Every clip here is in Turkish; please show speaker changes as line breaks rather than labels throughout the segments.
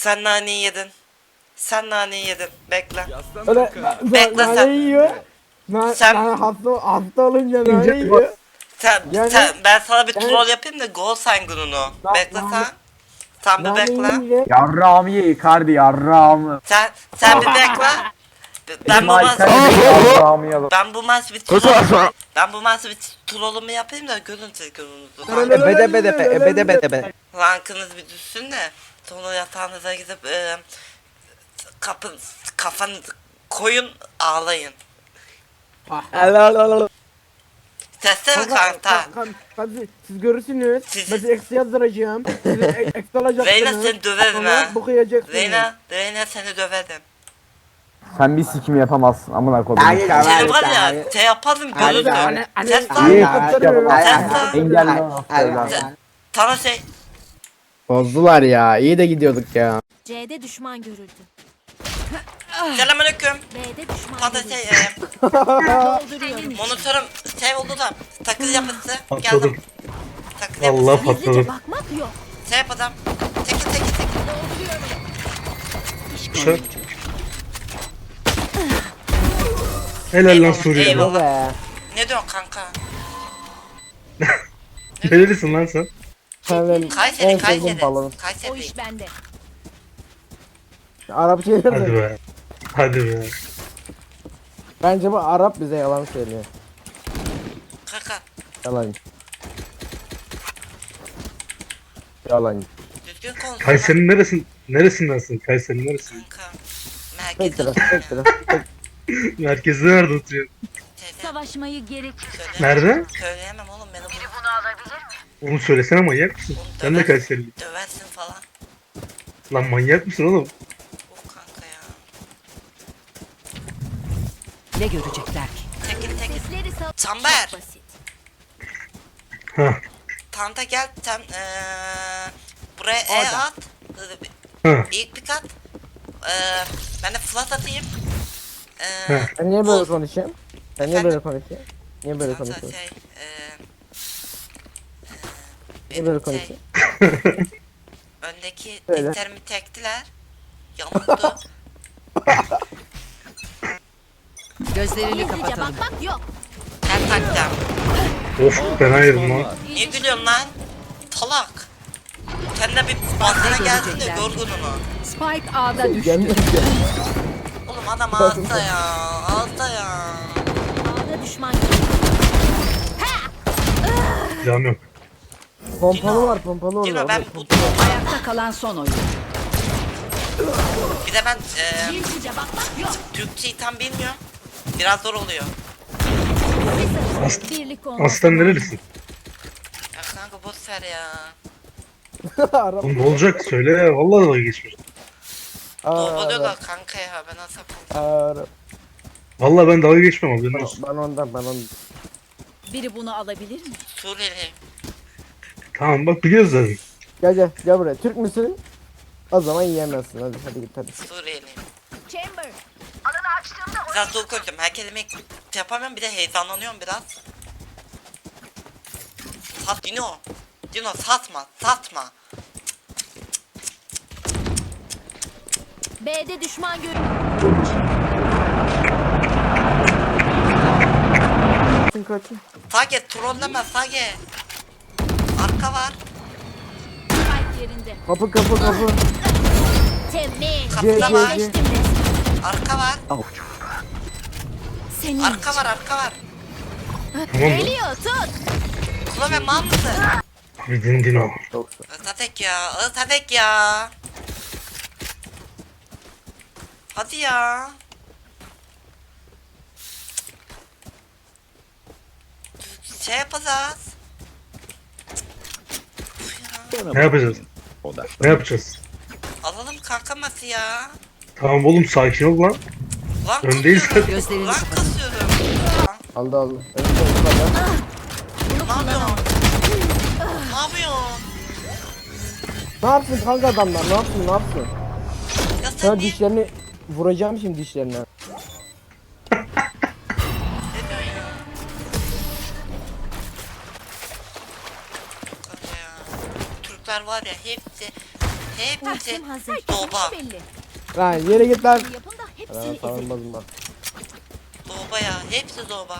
Sen naneyi yedin. Sen naneyi yedin. Bekle.
Öyle
Bekle sen.
nane yiyor.
Sen-
Hasta olunca nane yiyor. Yani-
Ben sana bir
yani-
troll yapayım da gol sen gününü. Bekle
nane-
sen. Sen bir
Nane
bekle.
yiyince
Yarrağımı ye Icardi yarrağımı.
Sen bir bekle. Ben bu
İsmail
maç
sen de yarrağımı ye.
ben bu maç bir troll ben bu maç bir trollümü yapayım da görün siz gününüzü.
Ebede.
Rankınız bir düşsün de sonra yatağınıza gidip kafanızı koyun ağlayın. Sesle mi kanka?
siz görürsünüz.
Siz-
Ben size eksi yazdıracağım. Size eksi alacaksınız.
Reyna seni döverim ha.
Sonra boku yiyeceksiniz.
Reyna seni döverim.
Sen bir sikim yapamazsın amına koydum.
Seni var ya şey yaparım görürsün. Ses
Ay,
lan.
ay,
Engelle.
Sana şey.
Bozdular ya. İyi de gidiyorduk ya.
C'de düşman görüldü.
Selamünaleyküm.
B'de düşman
Sana
görüldü.
şey
Dolduruyorum.
monitörüm şey oldu da takıl yapısı
Patladım.
geldim. Takıl
Allah
yapısı.
patladım.
Gizlice bakmak yok.
Şey yapacağım. Çekil.
Şu. Helal lan Suriye.
Eyvallah.
Be.
Ne diyorsun kanka?
Nerelisin lan sen?
Sen benim en
Kayseri.
sevdiğim balonum.
O
Kayseri.
iş bende.
Arap şeyler
Hadi
de.
be. Hadi be.
Bence bu Arap bize yalan söylüyor.
Kanka
Yalan. Yalan.
düzgün konuş.
Kayseri'nin neresindensin? Kayseri'nin neresi?
Kanka.
Tek
Merkezde
taraf,
oturuyorum
tek
ya.
taraf.
Merkezde nerede oturuyorsun?
Şeyde.
Savaşmayı gerek.
Nerede?
Söyleyemem oğlum beni
Onu söylesene, manyak mısın? Sen de Kayserili.
döversin falan.
Lan manyak mısın oğlum?
Of kanka ya.
Ne görecekler ki?
Çekil.
Sesleri sal.
Çember.
Çok basit.
Ha.
Tanta gel sen buraya at.
Ha.
İlk bir kat. Ben de flat atayım.
Ha.
Ben niye böyle
Buz.
konuşayım? Ben niye böyle konuşayım? Niye böyle
Kanka
konuşuyorsun?
şey
Niye böyle
şey,
konuşuyorsun?
öndeki
Söyle.
diklerimi tektiler. Yamuldu.
Gözlerini
Gizlice
kapatalım.
bakmak yok.
Her takacağım.
Of, fena yedim lan.
Niye gülüyorsun lan? Talak. Kendine bir basına gelsin de
görecekler?
gör gününü.
Spike A'da düştü.
Gelmiyor ki.
Oğlum adam ağızda ya. Ağızda ya.
A'da düşman görüldü.
Silahım yok.
Pompalı var, pompalı var.
Dino ben bu
Ayakta kalan son oyun.
bir de ben
Gizlice bakmak yok.
Türkçeyi tam bilmiyorum. Biraz zor oluyor.
Birlik olmak.
Aslan nerelisin?
Ya kanka boş ver ya.
Arap.
Oğlum ne olacak? Söyle ya. Vallahi dalga geçmiyorum.
Doğuluyorlar kanka ya ben nasıl yapayım?
Arap.
Vallahi ben dalga geçmem abi. Nasıl?
Ben ondan.
Biri bunu alabilir mi?
Suriyeli.
Tamam bak, biliyoruz zaten.
Gel buraya. Türk müsün? O zaman yiyemezsin. Hadi git hadi.
Suriyeli.
Chamber.
Biraz zor konuşuyorum. Her kelimeyi yapamıyorum bir de heyecanlanıyorum biraz. Sat Dino. Dino satma.
B'de düşman görüldü.
Kaçın.
Sage trolleme Sage. Arka var.
Spike yerinde.
Kapı.
Temiz.
Kapıda
C,
var.
C.
Geçtim resmen.
Arka var.
Senin.
Arka var.
Tamam mı?
Geliyor tut.
Kula ve mal mısın?
Bir dindin o.
Özatek ya. Hadi ya. Şey yapacağız.
Ne yapacağız? Ne yapacağız?
Alalım kanka ması ya.
Tamam oğlum, sakin ol lan.
Lan
Öndeyiz.
kasıyorum.
Gözlerini
Lan
kapatalım.
kasıyorum.
Aldı.
Ne yapıyorsun? Ne yapıyorsun?
Ne yapsın kanka adamlar? Ne yapsın?
Ya sen
Sana
niye?
dişlerini vuracağım şimdi dişlerine.
Ne diyorsun ya? Kanka ya. Türkler var ya hepsi Hepsi
Ultim hazır.
Doğba.
Herkesin işi belli.
Lan yere git lan.
Yapın da
Lan
hepsini ezin.
savunmazım bak.
Doğba ya. Hepsi doğba.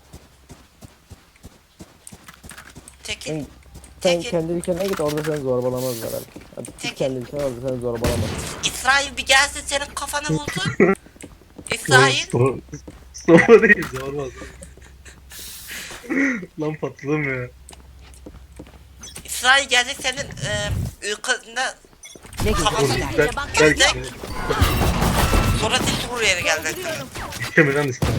Tekin.
Sen, sen
Tekin.
kendi ülkene git orada seni zorbalamazlar herhalde. Hadi git
Tekin.
kendi ülkene orada seni zorbalamaz.
İsrail bir gelsin senin kafanı vursun. İsrail.
Zorba değil zorba. Lan patladım ya.
İsrail gelecek senin ülkende
Ne
Kafası-
görecekler?
Belki
sonra tek buraya gelecek.
istemeden ister.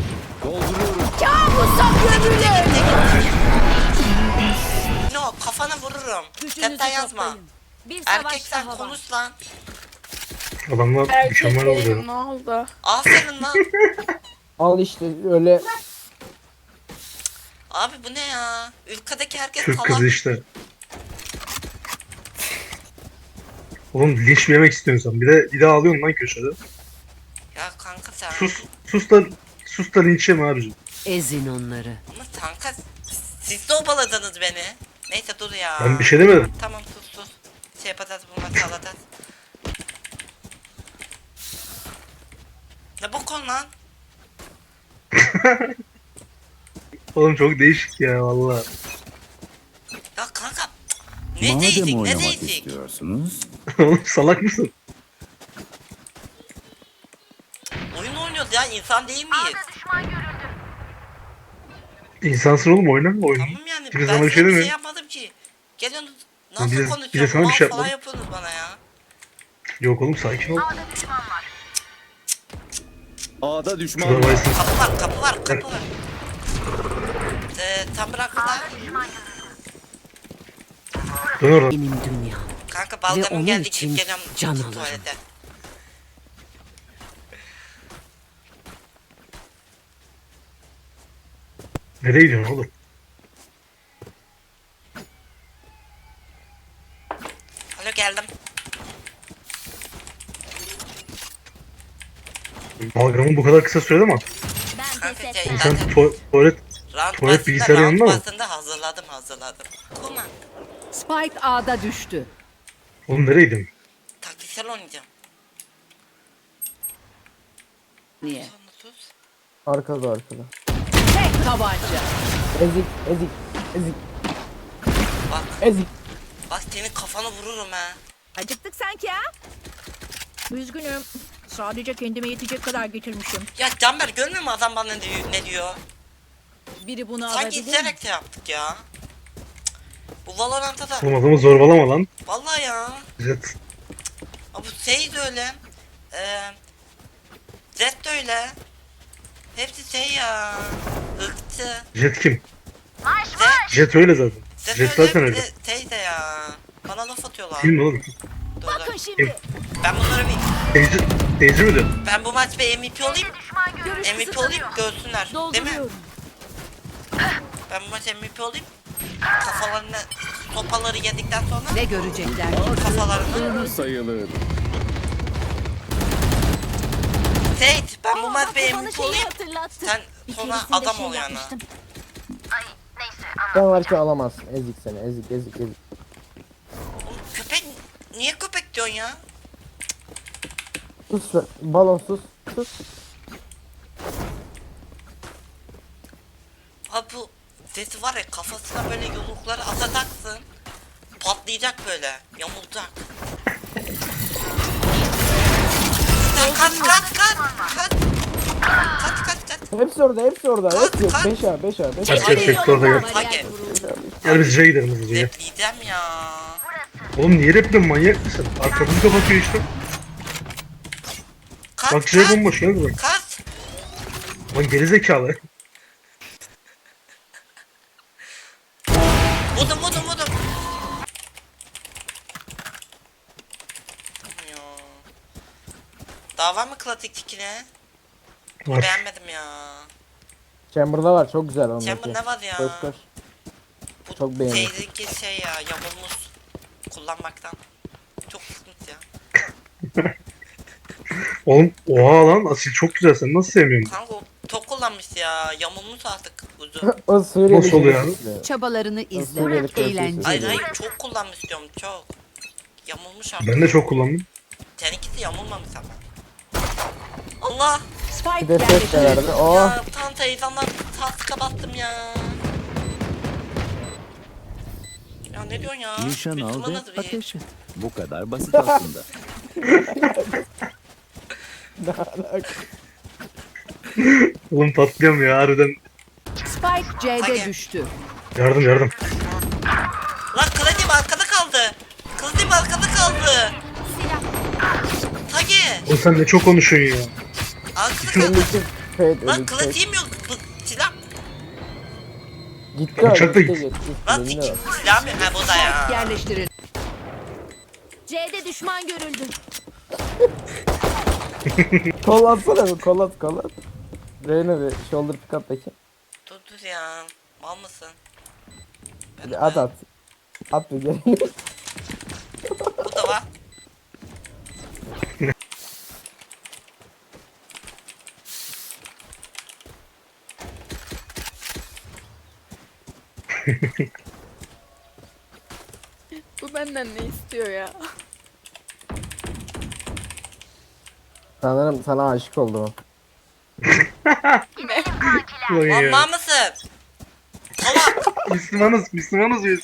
No kafana vururum.
Gücünüzü
Chatten yazma.
toplayın. Bir savaş
Erkeksen
daha var.
konuş lan.
Adamlar mükemmel oluyor.
Ne oldu?
Aferin lan.
Al işte öyle
Abi bu ne ya? Ülkedeki herkes
Türk kızı
salak.
işte. Oğlum linç mi yemek istiyorsun sen? Bir de ağlıyorsun lan köşede.
Ya kanka sen.
Sus da linç yeme abicim.
Ezin onları.
Ama kanka siz de obaladınız beni. Neyse dur ya.
Ben bir şey demedim.
Tamam sus. Şey yapacağız bu maçı alacağız. Ne bu konu lan?
Oğlum çok değişik ya valla.
Ya kanka ne değişik ne değişik.
Oğlum salak mısın?
Oyun oynuyoruz ya insan değil miyiz?
İnsansın oğlum oynama oyunu.
Tamam yani
Biz
ben
sana
size
bir şey
bir şey
demiyorum.
yapmadım ki. Geliyorsunuz nasıl
Biz de
konuşuyorsunuz
sana bir
mal
şey
falan
yapmadık.
yapıyorsunuz bana ya.
Yok oğlum sakin ol.
A'da düşman
Şurada
var.
varsın.
Kapı var. Tam bıraktılar.
Dön oradan.
Benim dünyam.
Kanka
Ve
balgamım
onun
geldi
için
gidip geliyorum
can alırım.
tuvalete.
Nereye gidiyorsun oğlum?
Alo geldim.
Balgamın bu kadar kısa sürede mi?
Ben
Kanka
pes
şey,
etmem.
İnsan
zaten
tuvalet
round
tuvalet bilgisayarı
round
yanında mı?
başında hazırladım. Kuma.
Spike A'da düştü.
Oğlum nereye gidiyorsun?
Taktiksel oynayacağım.
Niye?
Sonra sus.
arkada.
Tek tabanca.
Ezik.
Bak
Ezik.
bak senin kafanı vururum ha.
Acıktık sanki ha? Üzgünüm. Sadece kendime yetecek kadar getirmişim.
Ya Canber görmüyor musun adam bana ne diyor?
Biri bunu
Sanki
alabilir mi?
isteyerek de yaptık ya. Bu Valorant'ta da
Oğlum adamı zorbalama lan.
vallahi ya.
Jet.
Abi bu şey de öyle. Zed de öyle. Hepsi şey ya. Irkçı.
Jet kim?
Zed,
Jet öyle zaten.
Zed
Jet
öyle
zaten
bir
öyle.
de şey de ya. Bana laf atıyorlar.
Kim oğlum?
Dur,
Bakın
dur.
şimdi.
Ben bunları bir...
Teyze mi diyorsun?
Ben bu maç bir MVP olayım.
Görüş
MVP
kısıtlanıyor.
olayım görsünler. Değil mi?
Dolduruyorum.
Ben bu maç MVP olayım. Kafalarına sopaları yedikten sonra
Ne görecekler?
kafalarına.
Sayılır.
Seyit ben bu maç bir
Bak, bana
MVP
şeyi
olayım.
hatırlattı.
Sen
Bir
sonra
keresinde
adam
şey
ol yani.
yapmıştım.
Sen varken alamazsın. Ezik seni. Ezik.
Oğlum, köpek niye köpek diyorsun ya?
Sus lan. Balon sus.
Abi bu sesi var ya kafasına böyle yumrukları atacaksın. Patlayacak böyle. Yamulacak. Sen kaç.
Hepsi orada.
Kaç,
Hepsi.
kaç.
5A.
Herkes orada gel.
Hadi.
Gel biz J'ye gidelim hızlıca.
Repleyeceğim ya.
Oğlum niye repliyorsun manyak mısın? Arkamızı kapatıyor işte.
Kaç
Bak J bomboş gel buraya.
Kaç.
Lan gerizekalı.
Vurdum. Ya. Daha var mı klatik tikine?
Var.
Beğenmedim ya.
Chamber'da var. Çok güzel onun.
Chamber ne var ya?
Koş.
Bu
Çok beğendim.
şeydeki şey ya yamulmuş kullanmaktan. Çok sıkıntı ya.
Oğlum oha lan Asil çok güzel sen nasıl sevmiyorsun?
Kanka o çok kullanmış ya. Yamulmuş artık ucu.
O Suriyeli.
Nasıl oluyor abi?
işte.
Çabalarını izle.
Suriyeli
Eğlence.
Hayır çok kullanmış diyorum çok. Yamulmuş artık.
Ben de çok kullandım.
Seninkisi yamulmamış ama. Allah!
Bir
Spike
de ses de
yerleştirildi.
verdi. Oh.
Ya tam teyzemden taska bastım ya. Ya ne diyorsun ya?
Nişan al ve
Müslümanız biz.
ateş et. Bu kadar basit aslında.
Ne alaka?
Oğlum patlıyorum ya harbiden.
Spike C'de
Hadi.
düştü.
Yardım yardım.
Lan Kılıcım arkada kaldı. Kılıcım arkada kaldı. Tagi.
Oğlum sen ne çok konuşuyorsun ya.
Arkada kaldı.
Öndeki Fade
Lan
öndeki
kılıç
Fade.
yemiyor. Silah.
Gitti o
Bıçak da
gitti
gitti.
gitti.
Lan
Yeminle bak.
silah mı? Ha bu da ya.
Spike yerleştirildi.
C'de düşman görüldü.
Kol atsana bir kol at kol at. Reyna bir shoulder pick up bakayım.
Dur ya. Mal mısın?
Bir at at. At bir geri.
Bu da var.
Bu benden ne istiyor ya?
Sanırım sana aşık oldu o.
Ulan
Lan
ya.
mal mısın? Salak.
Müslümanız biz.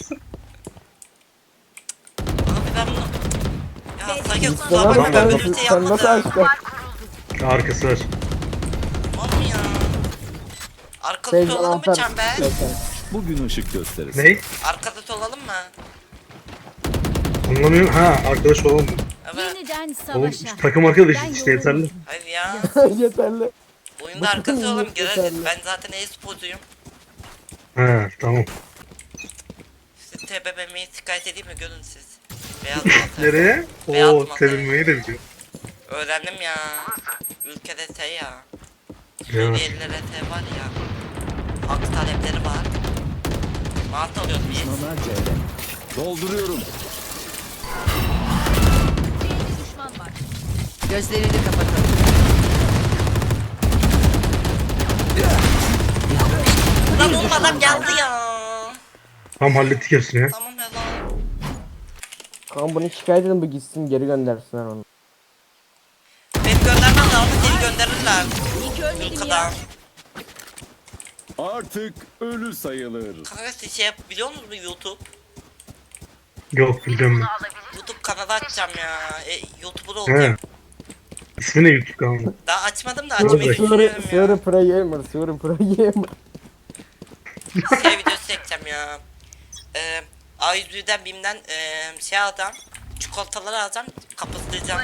Abi ben bunu... Ya Sagi kusura
Sana
bakma
bak
ben
sen,
böyle bir şey
sen nasıl
yapmadım.
aşık oldun?
Arkası var.
Mal mı ya? Arkada
Fade
olalım mı
anahtar.
Çember?
Bugün ışık gösterisi.
Ne?
Arkada olalım mı?
Anlamıyorum. Ha arkadaş olalım.
Evet.
Yeniden
Oğlum
savaşa.
takım arkadaşız işte yeterli.
Hayır ya.
Yeterli.
Oyunda arkası olalım gireriz.
Yeterli.
Ben zaten e-sporcuyum.
Ha tamam.
Siz TBMM'yi şikayet edeyim mi? Görün siz. Beyaz masa.
Nereye?
Beyaz
Oo
masa.
sevilmeyi de biliyor.
Öğrendim ya. Ülkede şey ya.
Evet.
Suriyelilere şey var ya. Hak talepleri var. Mantı alıyoruz biz.
Düşmanlar C'de. Dolduruyorum.
Gözlerini kapatalım.
Lan oğlum adam geldi ya.
Tamam hallettik hepsini ya.
Tamam ya lan.
Kanka bunu şikayet edin bu gitsin geri göndersinler onu.
Beni göndermem lazım seni gönderirler.
İyi ki ölmedim
Ülkeden.
ya.
Artık ölü sayılır.
Kanka siz şey biliyor musunuz bu YouTube?
Yok biliyorum ben.
YouTube kanalı açacağım ya. YouTuber
He.
olacağım.
İsmi ne YouTube kanalı?
Daha açmadım da açmayı
Suri-
düşünüyorum
Suri
ya.
Pro Gamer, Suri Pro Gamer.
Şey videosu çekeceğim ya. A101'den BİM'den şey alacağım. Çikolataları alacağım. Kapatacağım.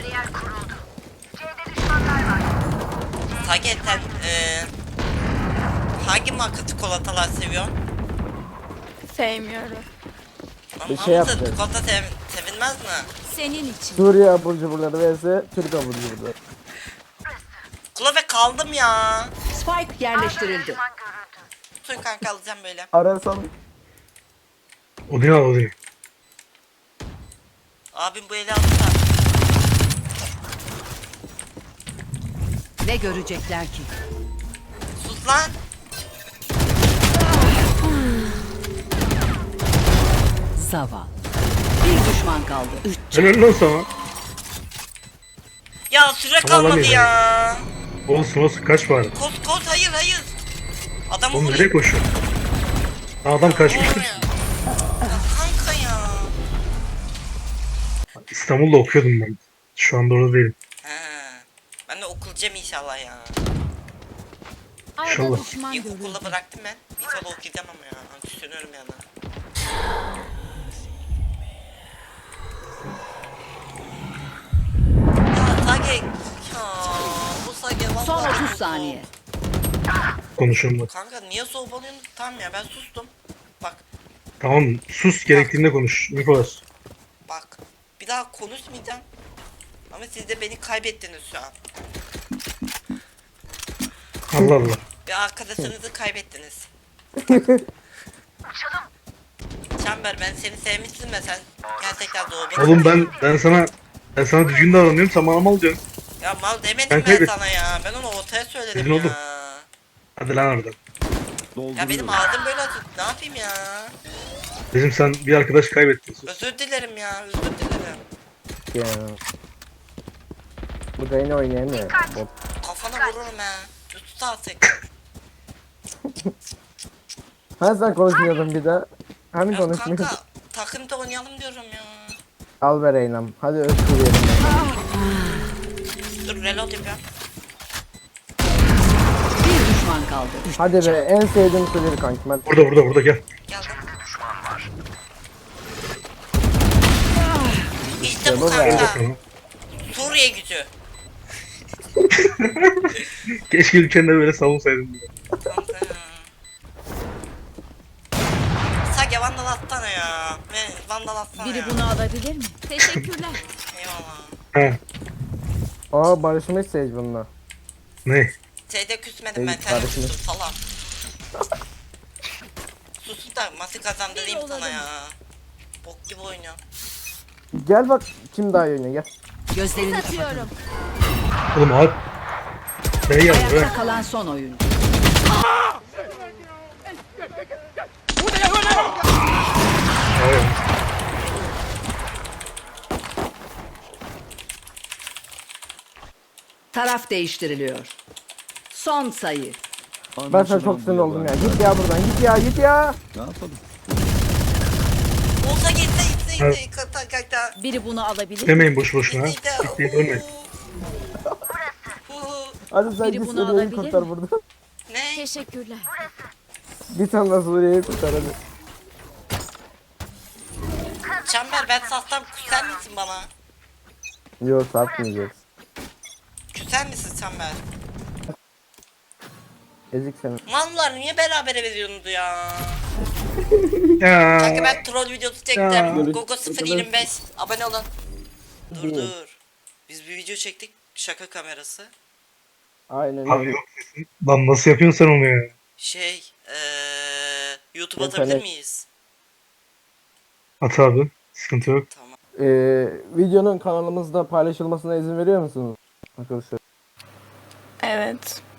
Sage sen hangi marka çikolatalar seviyorsun?
Sevmiyorum.
Lan
Bir
hamza
şey yapacağız.
çikolata sevilmez mi?
Senin için.
Suriye abur cuburları vs Türk abur cuburları.
Klove kaldım ya.
Spike yerleştirildi.
Tutun kanka alacağım böyle.
Arasam
Odin al Odin.
Abim bu eli alırsa.
Ne görecekler ki?
Sus lan.
Zavallı. Bir düşman kaldı.
Helal lan sana.
Ya süre
Tamam,
kalmadı
alayım.
ya.
Olsun kaç bari.
Koz hayır. Adamı
Oğlum nereye
vuruyor.
koşuyor? Adam kaçmıştır.
Ya kanka ya.
İstanbul'da okuyordum ben. Şu anda orada değilim.
He. Ben de okulacağım inşallah ya.
İnşallah.
A'da düşman görüldü.
İlkokulda bıraktım ben. İnşallah okuyacağım ama ya. Düşünüyorum yani. Ya Sage. Ya bu Sage vallahi.
Son 30
çok
saniye.
soğuk.
Konuşuyorum bak.
Kanka niye soğubalıyorsun? Tamam ya ben sustum. Bak
Tamam sus gerektiğinde konuş. Nikolas.
bak. Bir daha konuşmayacağım. Ama siz de beni kaybettiniz şu an.
Allah Allah.
Bir arkadaşınızı kaybettiniz. Çember ben seni sevmiştim de sen gerçekten doğru.
Oğlum ben sana düzgün davranıyorum sen bana mal diyorsun.
Ya mal demedim
Ben
ben,
kaybettim.
sana ya. Ben onu ortaya söyledim
Dedin
ya.
oğlum. Hadi lan oradan.
Ya benim
Dolduruyorum.
ağzım böyle açık. Ne yapayım ya?
Dedim sen bir arkadaş kaybettin.
Özür dilerim ya. Özür dilerim.
ya. Bu da yine oynayamıyor. Bot.
Kafana vururum he. Tut artık.
Ha sen konuşmuyordun bir de. Hani
Ya
konuşmuyordun?
kanka takımda oynayalım diyorum ya.
Al ver Eynam. Hadi özgürleyelim.
Dur reload yapıyorum.
Bir düşman kaldı.
Hadi be en sevdiğim sürüyor kankim. Hadi.
Burada gel.
Geldim. İşte bu
bu be.
kanka.
Bakalım.
Suriye gücü.
Keşke ülkende böyle savunsaydın.
Kanka ya. Sage vandal atsana ya. Ve vandal atsana
Biri
ya.
bunu alabilir mi? Teşekkürler.
Eyvallah.
Ha,
Aa barışmış Sage bununla.
ne?
Şeyde küsmedim ben.
Ey,
Sen
kardeşim.
sus falan. Sus da maçı kazandırayım sana ya. Bok gibi oynuyor.
Gel bak kim daha iyi oynuyor gel.
Gözlerini kapatalım.
Oğlum abi. Ne geldi be?
Ayakta kalan son oyuncu.
Hayır.
Taraf değiştiriliyor. Son sayı.
Ben sana çok sinir oldum ya. Git ya buradan git ya.
Ne yapalım?
Olsa gitse
Evet.
kata.
Biri bunu alabilir mi?
Demeyin boş boşuna. Bitti ölmeyin.
Hadi sen
Biri
git
bunu
Suriye'yi
alabilir
kurtar
mi?
burada.
Ne?
Teşekkürler.
Git anla Suriye'yi kurtar hadi.
Çember ben satsam küser misin bana?
Yok satmayacağız.
Küser misin Çember?
Ezik seni.
Mallar niye berabere veriyorsunuz ya?
Ya.
Kanka ben troll videosu çektim.
Ya.
Gogo 025. Abone olun. Dur. Biz bir video çektik. Şaka kamerası.
Aynen
Abi
öyle.
yok. Lan nasıl yapıyorsun sen onu ya?
YouTube
İnternet.
atabilir miyiz?
At abi. Sıkıntı yok.
Tamam.
Videonun kanalımızda paylaşılmasına izin veriyor musunuz? Arkadaşlar.
Evet.